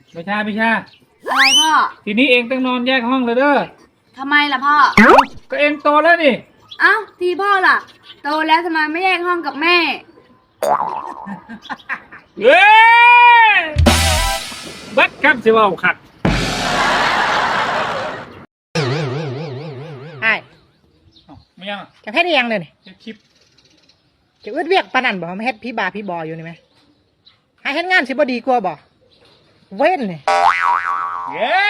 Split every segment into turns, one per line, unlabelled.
ไม่ใช่ไม่ใช่
อะไรพ่อ
ทีนี้เองต้องนอนแยกห้องเลยเด้อ
ทำไมล่ะพ่อ
ก็เองโตแล้วนี่
เอ้าทีพ่อล่ะโตแล้วทำไมไม่แยกห้องกับแม่
เฮ้ยบัดครับสิว่าขัด
ไอ้
ไม่ยัง
จะเฮ็ดยังเลย
จะคลิป
จะอึดเวียกปานนั่นบ่มาเฮ็ดพี่บาพี่บออยู่นี่ไหมให้เฮ็ดงานสิบ่ดีกว่าบ่เว้นนี่
เย้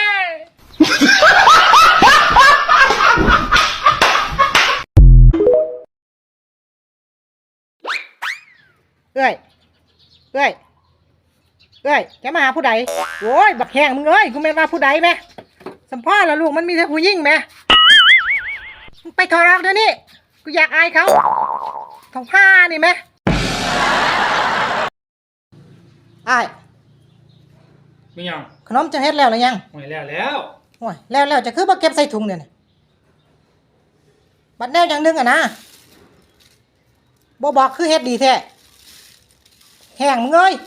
เอ้ยจะมาหาผู้ใดโอ้ยบักแห้งมึงเอ้ยกูแม่นว่าผู้ใดแม่สัมพ่อละลูกมันมีแต่ผู้หญิงแม่ไปถอดออกเดี๋ยวนี้กูอยากอายเขาท้องผ้านี่แม่อ้าย
ไม่ยัง
ขนมจะเฮ็ดแล้วหรือยัง
ไม่แล้ว
โอ้ยแล้วจะคือบ่เก็บใส่ถุงเนี่ยบัดแนวอย่างนึงอ่ะนะบ่บอกคือเฮ็ดดีแท้แห้งมึงเอ้ย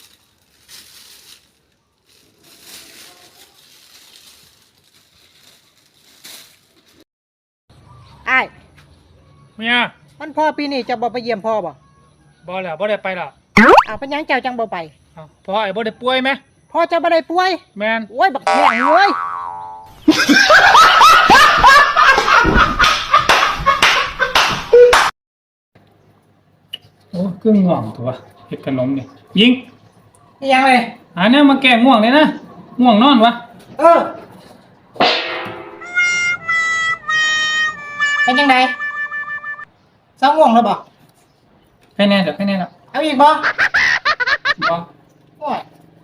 อ้าย
ไม่ยัง
มันพ่อปีนี้จะบ่ไปเยี่ยมพ่อบ่
แล้วบ่ได้ไปหรอ
เป็นยังเจ้าจังบ่ไป
พ่อไอ้บ่ได้ป่วยไหม
พ่อจะบ่ได้ป่วย
แมน
โอ้ยบักแห้งเว้ย
โอ้เครื่องง่วงตัวเฮ็ดขนมนี่ยิง
นี่ยังเลย
เนี่ยมาแก้ง่วงเลยนะง่วงนอนวะ
เป็นยังไงเศร้าง่วงแล้วบ่
แค่แน่เดี๋ยวแค่แน่แล้ว
เอาอีกบ่โอ้ย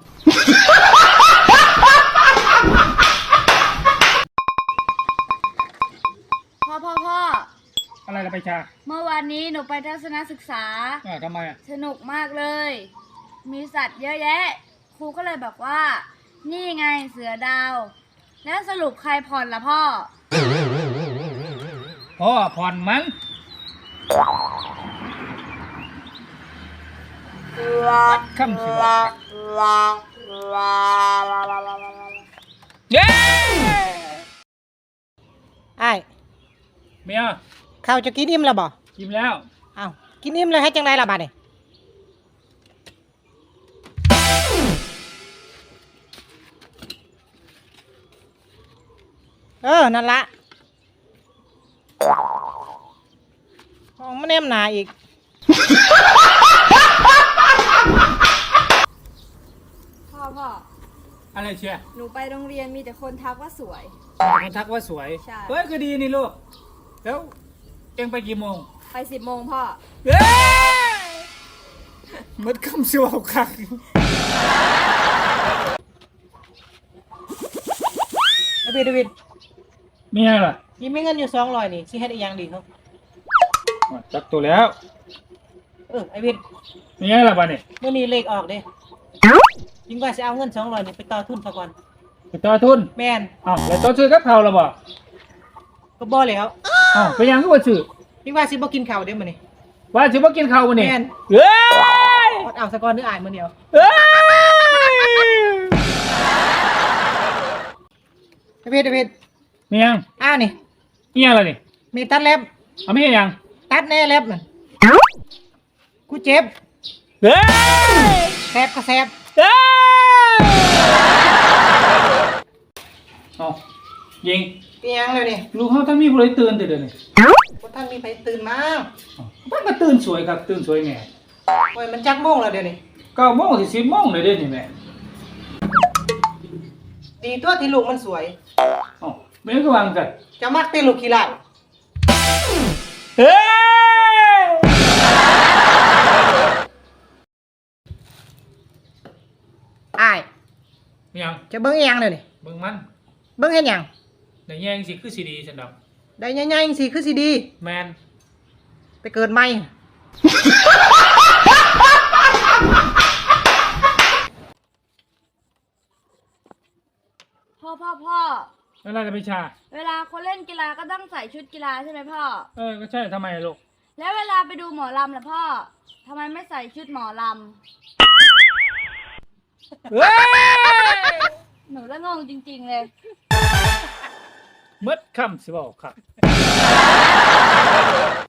พ่อ
อะไรล่ะไปชา
เมื่อวานนี้หนูไปทัศนศึกษา
ทำไม
สนุกมากเลยมีสัตว์เยอะแยะครูก็เลยบอกว่านี่ไงเสือดาวแล้วสรุปใครผ่อนล่ะพ่อ
ผ่อนมั้งคำสิว่าเย้
ไอ้
เมีย
ข้าวจะกินอิ่มแล้วบ่
กินแล้ว
อ้าวกินอิ่มเลยให้จังไรล่ะบัดนี้นั่นละมันแนมหนาอีก
พ่อ
อะไรเชีย
หนูไปโรงเรียนมีแต่คนทักว่าสวย
คนทักว่าสวย
ใช่
เฮ้ยคือดีนี่ลูกแล้วเอ็งไปกี่โมง
ไป10 โมงพ่อ
เฮ้ยมัดคำสิว่าคัก
เดวิด
มีอะไรล่ะ
ยิ้มไม่เงินอยู่200นี่สิเฮ็ดอีหยังดีครับ
จักตัวแล้ว
ไอ้วิน
มีอะไรล่ะบ้านี่
มื้อนี้เลขออกเด้ยิ่งว่าสิเอาเงิน200นี่ไปต่อทุนซะก่อน
ไปต่อทุน
แม่น
แล้วต่อซื้อกับข้าวล่ะบ่
ก็บ่แล้ว
ไปยังก็บ่ซื้อ
ยิ่งว่าสิบ่กินข้าวเด้มื้อนี้
ว่าสิบ่กินข้าวมื้อนี้
แม่น
เฮ้ย
เอาซะก่อนนึกอายมื้อเดียว
เฮ้
ยเดวิด
มียัง
นี่
มีอะไรนี่
มีตัดเล็บ
มียัง
ตัดแน่เล็บนั่นกูเจ็บ
เฮ้ย
แสบก็แสบ
ยิง
ยังเลยนี่
ลูกเขาท่านมีผู้ใดตื่นเดี๋ยวนี้
ท่านมีไปตื่นมา
ท่านก็ตื่นสวยครับตื่นสวยแม่
โอ้ยมันจักโมงแล้วเดี๋ยวนี้
9 โมงถึง10 โมงเลยเดี๋ยวนี้แม่
ดีตัวที่ลูกมันสวย
ไม่ก็วางกัน
จะมักตีลูกขี้ไล่
เฮ้ย
ยังจะเบิ้งยังเลยนี่
เบิ้งมัน
เบิ้งเห็นยัง
ได้แย่งสิคือสีดีฉันดอก
ได้แย่งสิคือสีดี
แมน
ไปเกิดใหม่
พ่อ
เวลาจะไปชา
เวลาคนเล่นกีฬาก็ต้องใส่ชุดกีฬาใช่ไหมพ่อ
ก็ใช่ทำไมลูก
แล้วเวลาไปดูหมอลำล่ะพ่อทำไมไม่ใส่ชุดหมอลำ
เฮ้ย
องจริงๆเลย
เมดคำสิบอกครับ